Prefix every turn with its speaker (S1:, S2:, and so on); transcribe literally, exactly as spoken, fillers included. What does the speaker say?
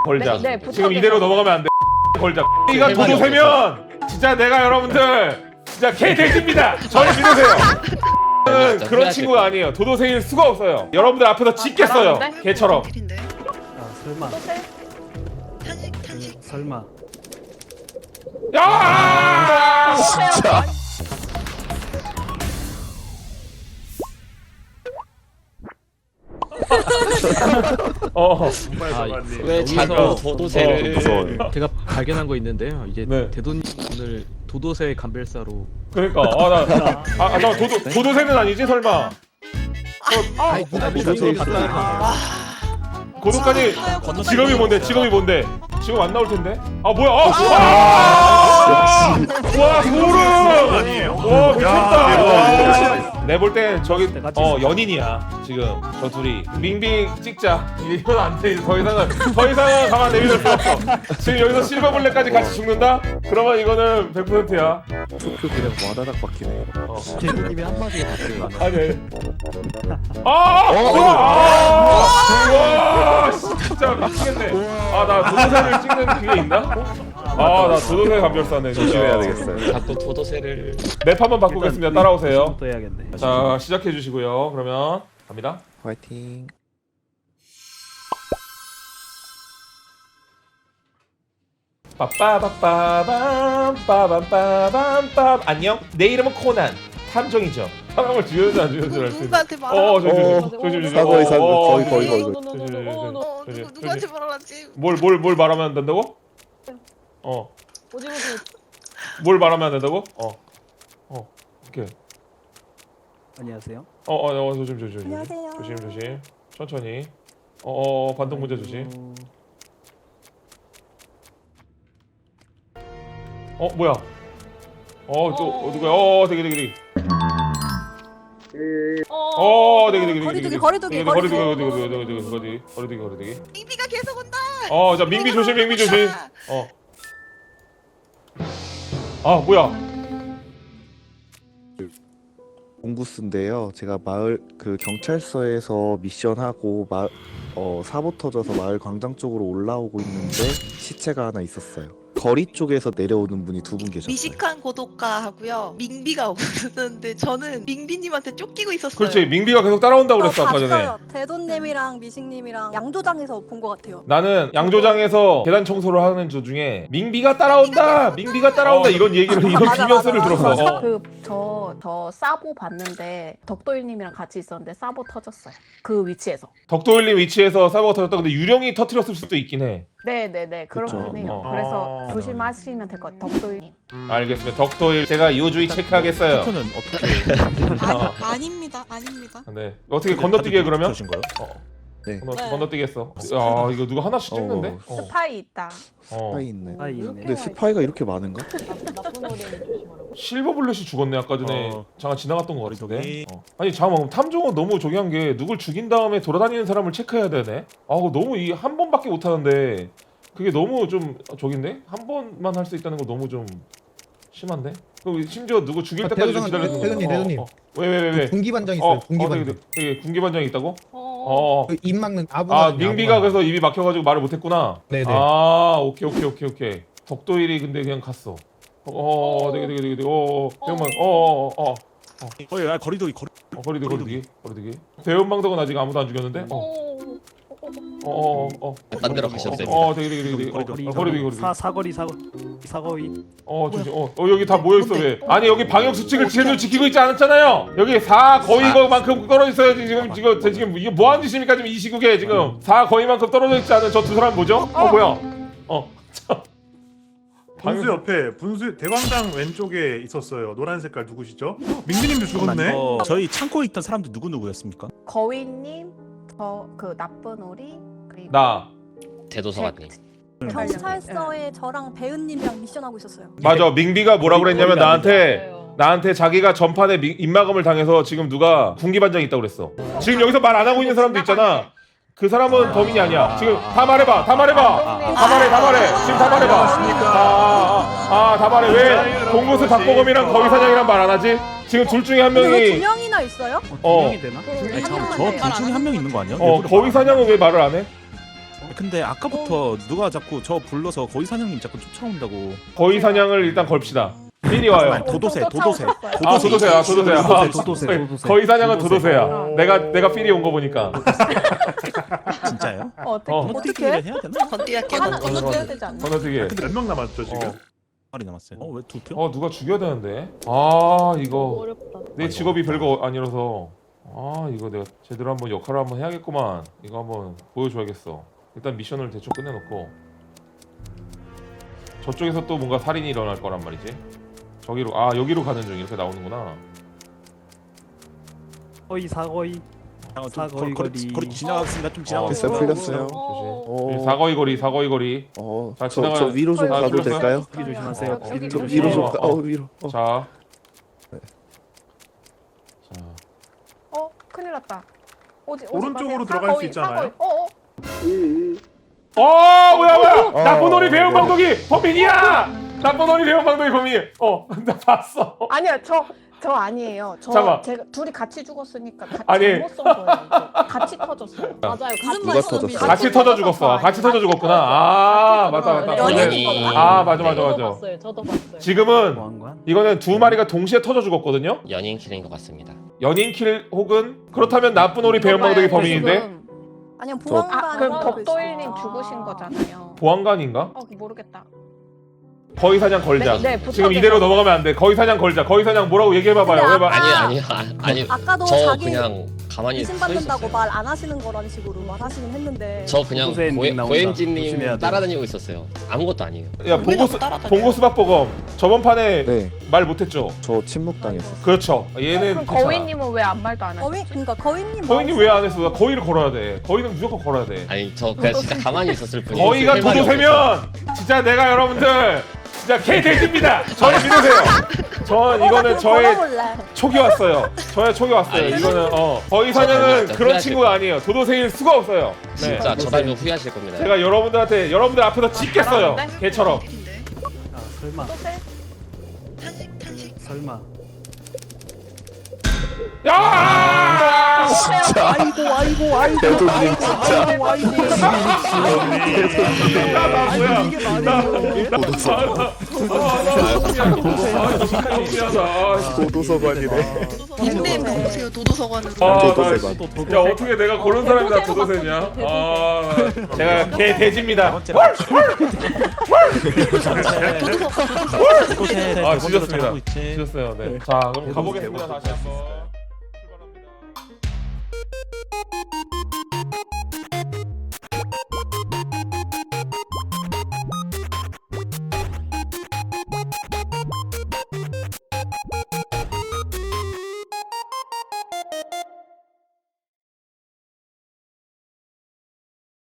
S1: 걸자.
S2: 네, 네,
S1: 지금 이대로 넘어가면 안 돼. 걸자. 이가 도도 세면 진짜 내가 여러분들 진짜 개 돼지입니다. 저를 믿으세요. 저는 그런 친구가 아니에요. 도도 세일 수가 없어요. 여러분들 앞에서 짖겠어요.
S2: 잘하는데?
S1: 개처럼.
S3: 아 설마
S4: 탄식 탄식.
S3: 그, 설마
S1: 야!
S2: 진짜.
S1: 어.
S5: 왜 자꾸
S1: 어.
S5: 도도새를
S6: 무서워요.
S7: 제가 발견한 거 있는데요. 이제
S1: 네.
S7: 대도님 오늘 도도새 감별사로
S1: 그러니까 아나 아, 아, 나 도도 도도새는 아니지 설마.
S2: 아,
S6: 도도새 있어요.
S1: 고도까지 직업이 뭔데? 직업이 뭔데? 직업 안 나올 텐데. 아 뭐야? 아! 아! 와 소름!
S8: 아니에요?
S1: 와 미쳤다. 내 볼 땐 저기
S3: 내가
S1: 어 연인이야 지금 저 둘이. 밍빙 찍자. 이건 안 돼. 더 이상은 더 이상은 가만 내밀을 수 없어. 지금 여기서 실버블랙까지 같이 죽는다? 그러면 이거는 백 퍼센트야.
S6: 투표 그냥 와다닥 바뀌네.
S7: 대도님이 한마디에 답해요.
S1: 아니. 아! 와! 와! 진짜 미치겠네. 아 나 도도새를 찍는 그게 있나? 아 나 도도새 감별사네.
S6: 조심해야 되겠어요.
S5: 자꾸 도도새를
S1: 맵 한번 바꾸겠습니다. 따라오세요.
S3: 또 해야겠네.
S1: 자 시작해 주시고요. 그러면 갑니다.
S6: 화이팅.
S1: 빠빠빠빠밤 빠밤빠밤빰. 안녕. 내 이름은 코난. 탐정이죠. 사람을 죽여서 안 죽여서 알수 있어.
S4: 누구한테 말하?
S1: 어 저기
S6: 어,
S1: 저기 저기 저기.
S6: 사거리 사거리
S1: 어,
S6: 거의
S1: 어,
S6: 거의 거의.
S4: 어,
S1: 저기,
S4: 누구 누구한테 말하지?
S1: 뭘뭘 뭘 말하면 안 된다고? 어.
S2: 오지무지.
S1: 뭘 말하면 안 된다고? 어. 어. 오케이.
S3: 안녕하세요.
S1: 어, 어, 어, 조심, 조심, 조심.
S4: 안녕하세요.
S1: 조심, 조심. 천천히. 어, 어, 반동 문제 조심. 어, 뭐야? 어, 또 어, 누구야? 어, 되게, 되게, 되게. 어, 되게, 되게, 되게.
S4: 거리두기, 거리두기,
S1: 거리두기,
S4: 거리두기.
S1: 거리두기, 거리두기, 거리두기, 거리두기, 거리두기.
S4: 밍비가 계속 온다.
S1: 어, 자, 민비 조심, 민비 조심. 어. 아, 뭐야?
S6: 공구스인데요. 제가 마을 그 경찰서에서 미션하고 마, 어, 사고 터져서 마을 광장 쪽으로 올라오고 있는데 시체가 하나 있었어요. 거리 쪽에서 내려오는 분이 두 분 계셨어요.
S4: 미식한 고독가 하고요. 밍비가 없었는데 저는 밍비님한테 쫓기고 있었어요.
S1: 그렇지, 민비가 계속 따라온다고 그랬어, 아까 전에.
S9: 봤어요. 대돈님이랑 미식님이랑 양조장에서 본 것 같아요.
S1: 나는 양조장에서 계단 청소를 하는 도중에 민비가 따라온다, 민비가 따라온다 이런 얘기를 이런
S9: 맞아,
S1: 비명소리를
S9: 맞아,
S1: 들었어.
S9: 맞아.
S1: 어.
S2: 그저 저 사보 봤는데 덕도일님이랑 같이 있었는데 사보 터졌어요. 그 위치에서.
S1: 덕도일님 위치에서 사고가 터졌다. 근데 유령이 터트렸을 수도 있긴 해.
S2: 네네네
S6: 그쵸.
S2: 그렇긴 해요.
S1: 어.
S2: 그래서 조심하시면 될 것 같아요. 덕도일님.
S1: 알겠습니다. 덕도일 제가 이호주의 체크하겠어요.
S7: 투표는 어떻게
S1: 어.
S4: 아닙니다, 아닙니다.
S1: 네. 어떻게 건너뛰게 그러면?
S7: 거예요?
S1: 어.
S6: 네.
S1: 건너,
S4: 네.
S1: 건너뛰기 했어. 아 이거 누가 하나씩 찍는데? 어.
S2: 스파이 있다.
S1: 어.
S6: 스파이 있네.
S3: 아 있네.
S6: 근데 스파이가 이렇게 많은가?
S2: 나쁜 어린이 조심하라고.
S1: 실버블렛이 죽었네 아까 전에.
S7: 어.
S1: 잠깐 지나갔던 것 같은데.
S7: 저기.
S1: 어. 아니 잠깐만 탐정은 너무 저기 한 게 누굴 죽인 다음에 돌아다니는 사람을 체크해야 되네. 아 그거 너무 이 한 번밖에 못 하는데 그게 너무 좀 저긴데? 한 번만 할 수 있다는 거 너무 좀 심한데? 그럼 심지어 누구 죽일
S10: 아,
S1: 때까지
S10: 대도장,
S1: 기다리는 거.
S10: 대도님, 대도님.
S1: 왜 왜 왜 왜?
S10: 군기반장 있어요.
S1: 어,
S10: 군기반장.
S1: 어, 되게, 되게 군기반장이 있다고?
S2: 어.
S1: 어.
S10: 그 입 막는 아부나.
S1: 아 민비가 그래서 입이 막혀가지고 말을 못했구나.
S10: 네네.
S1: 아 오케이 오케이 오케이 오케이. 덕도일이 근데 그냥 갔어. 어, 되게 되게 되게 되게. 어, 잠깐만. 어, 어, 어, 어,
S7: 거의 아, 거리두기 거리.
S1: 어, 거리두기 거리두기 거리두기. 배은망덕은 아직 아무도 안 죽였는데. 어, 어, 어, 어.
S5: 딴 데로 가셔도 됩니다.
S1: 어, 되게 되게 되게 되게. 어,
S3: 거리두기
S1: 어, 거리두기 거리두기.
S3: 사 사거리 사거 사거리.
S1: 어, 조심. 어, 어 여기 다 모여 있어 왜? 아니 여기 방역 수칙을 제대로 지키고 있지 않았잖아요. 여기 사 거의만큼 떨어져 있어야지 지금 지금 제 지금 이게 뭐 하는 짓입니까 지금 이 시국에 지금 사 거의만큼 떨어져 있지 않은 저 두 사람 뭐죠? 어 뭐야? 어. 참.
S8: 분수 옆에 분수 대광장 왼쪽에 있었어요. 노란 색깔 누구시죠? 민비님도 죽었네.
S7: 어, 저희 창고에 있던 사람들 누구 누구였습니까?
S2: 거위님, 저 그 나쁜 오리 그리고
S1: 나.
S5: 대도서관님.
S9: 경찰서에 저랑 배은님이랑 미션하고 있었어요.
S1: 맞아. 민비가 뭐라 그랬냐면
S7: 거리가
S1: 나한테 나한테 자기가 전판에 미, 입마검을 당해서 지금 누가 군기반장이 있다고 그랬어. 지금 여기서 말 안 하고 있는 사람도 있잖아. 그 사람은 범인이 아니야. 지금 다 말해봐. 다 말해봐. 다 말해. 다 말해. 지금 다 말해봐. 아다 아, 말해. 왜 공구스 박보검이랑 거위사냥이랑 말 안 하지? 지금 둘 중에 한
S9: 근데 왜 두
S1: 명이
S9: 명이나 있어요?
S1: 어.
S3: 명이 되나?
S7: 아니 잠깐 저둘 중에 한 명 있는 거 아니야?
S1: 어 거위사냥은 왜 말을 안 해?
S7: 근데 아까부터 누가 자꾸 저 불러서 거위 사냥님 자꾸 쫓아온다고.
S1: 거위 사냥을 일단 걸읍시다. 필이 와요.
S7: 아니, 도도새,
S2: 엄청
S7: 도도새.
S2: 쫓아오셨어요.
S1: 아 도도새야 도도새야.
S3: 도도새, 도도새,
S1: 아,
S3: 도도새.
S1: 거위 사냥은 도도새야.
S2: 어.
S1: 내가 내가 필이 온 거 보니까.
S7: 진짜요?
S2: 어, 어떻게
S1: 어.
S7: 어떻게 해야 되나?
S4: 건디야 깨
S2: 하나
S4: 건디.
S2: 건너뛰어야 되지 않나?
S1: 건너뛰기.
S8: 근데 몇 명 남았죠 지금?
S1: 어.
S7: 말이 남았어요. 어 왜 두 표?
S1: 어 누가 죽여야 되는데. 아 이거
S9: 어렵다.
S1: 내 직업이 별거 아니라서. 아 이거 내가 제대로 한번 역할을 한번 해야겠구만. 이거 한번 보여줘야겠어. 일단 미션을 대충 끝내놓고 저쪽에서 또 뭔가 살인이 일어날 거란 말이지. 저기로 아 여기로 가는 중 이렇게 나오는구나.
S3: 거의 사거의.
S7: 아, 좀
S3: 사거리
S7: 거리,
S3: 거리.
S7: 거리, 거리 지나갔습니다. 좀
S1: 어,
S7: 지나갔어요.
S6: 됐어요, 풀렸어요.
S1: 조심.
S6: 어,
S1: 사거리 거리 사거리 거리.
S6: 어,
S1: 자,
S6: 저,
S1: 지나가요.
S6: 저 위로 좀
S2: 아,
S6: 가도
S1: 풀렸어요?
S6: 될까요?
S3: 여기 조심하세요.
S2: 어, 여기
S6: 저
S2: 조심.
S6: 위로 좀
S1: 어,
S6: 가.
S1: 어.
S6: 어, 위로. 어.
S1: 자. 자.
S2: 어, 큰일 났다. 오지, 오지
S8: 오른쪽으로
S2: 마세요.
S8: 들어갈 수
S2: 사거리,
S8: 있잖아요.
S2: 사거리. 어, 어.
S1: 어 뭐야 뭐야
S6: 어.
S1: 나쁜 오리 배운 방독이 범인이야. 나쁜 오리 배운 방독이 범인. 어나 봤어.
S2: 아니요, 저, 저 아니에요. 저
S1: 잠깐만.
S2: 제가 둘이 같이 죽었으니까 가,
S1: 아니.
S2: 잘못 쏜 거예요. 이거. 같이 터졌어요. 맞아요.
S9: 무슨
S6: 누가
S9: 말씀?
S6: 터졌어?
S1: 같이 터져 죽었어. 같이 터져 죽었구나. 아 맞다 맞다.
S9: 연인이.
S1: 근데- 아 맞아 맞아
S2: 저도
S1: 맞아.
S2: 봤어요. 저도 봤어요.
S1: 지금은
S3: 보안관.
S1: 이거는 두 마리가 동시에 터져 죽었거든요.
S5: 연인 킬인 것 같습니다.
S1: 연인 킬 혹은 그렇다면 나쁜 오리 배운 방독이 범인인데
S2: 지금-
S9: 아니면
S6: 저-
S9: 보안관.
S2: 아, 그럼 덕도일님 죽으신 거잖아요.
S1: 보안관인가?
S2: 어, 모르겠다.
S1: 거위 사냥 걸자.
S2: 네, 네,
S1: 지금 이대로 넘어가면 안 돼. 거위 사냥 걸자. 거위 사냥 뭐라고 얘기해봐봐요.
S9: 근데
S1: 왜 봐?
S9: 아까-
S5: 아니 아니 아, 아니
S9: 아까도
S5: 저
S9: 자기
S5: 그냥 가만히 서
S9: 의심받는다고
S5: 있었어요.
S9: 말 안 하시는 거라는 식으로 말하시긴 했는데.
S5: 저 그냥
S3: 도도새 엔딩 나온다.
S5: 고엠진님
S3: 조심해야 돼.
S5: 따라다니고 있었어요. 아무것도 아니에요.
S1: 야
S4: 왜
S1: 봉고스
S4: 자꾸 따라다녀요?
S1: 봉고스 박보검 저번 판에
S6: 네,
S1: 말 못했죠.
S6: 저 침묵 당했어요.
S1: 그렇죠. 얘는
S2: 그럼
S1: 괜찮아.
S2: 거위님은 왜 아무 말도 안
S9: 거위
S2: 하셨지?
S9: 그러니까 거위님.
S1: 거위님 왜 안 했어? 나 거위를 걸어야 돼. 거위는 무조건 걸어야 돼.
S5: 아니 저 그냥 진짜 가만히 있었을 뿐이에요.
S1: 거위가
S5: 할 말이 없었어요.
S1: 도도새면 진짜 내가 여러분들 진짜 개돼지입니다. 저를 믿으세요. 전 이거는 저의
S9: 걸어볼래.
S1: 촉이 왔어요. 저의 촉이 왔어요.
S5: 아니,
S1: 이거는 어 거위
S5: 아,
S1: 사냥은
S5: 진짜
S1: 그런
S5: 후회하실
S1: 친구가 아니에요. 도도새일 수가 없어요. 네.
S5: 진짜 저 달면 후회하실 겁니다.
S1: 제가 여러분들한테 여러분들 앞에서 찢겠어요.
S2: 잘하는데?
S1: 개처럼.
S4: 킬인데?
S3: 아 설마.
S4: 탄식 탄식.
S3: 설마.
S1: 야!
S3: 아이고 아이고 아이고.
S6: 대도님 진짜.
S3: 아이고 아이고.
S1: 나, 나 뭐야?
S3: 이게 말이에요.
S6: 도도서. 도도서관이네.
S4: 닉네임 바꾸세요. 도도서관은.
S1: 아,
S6: 도도새관.
S1: 야 어떻게 내가 고른 사람이 다 도도새냐? 아, 제가 개 돼지입니다. 아, 지졌습니다. 지졌어요. 네. 자, 그럼 가보겠습니다. 다시 한번.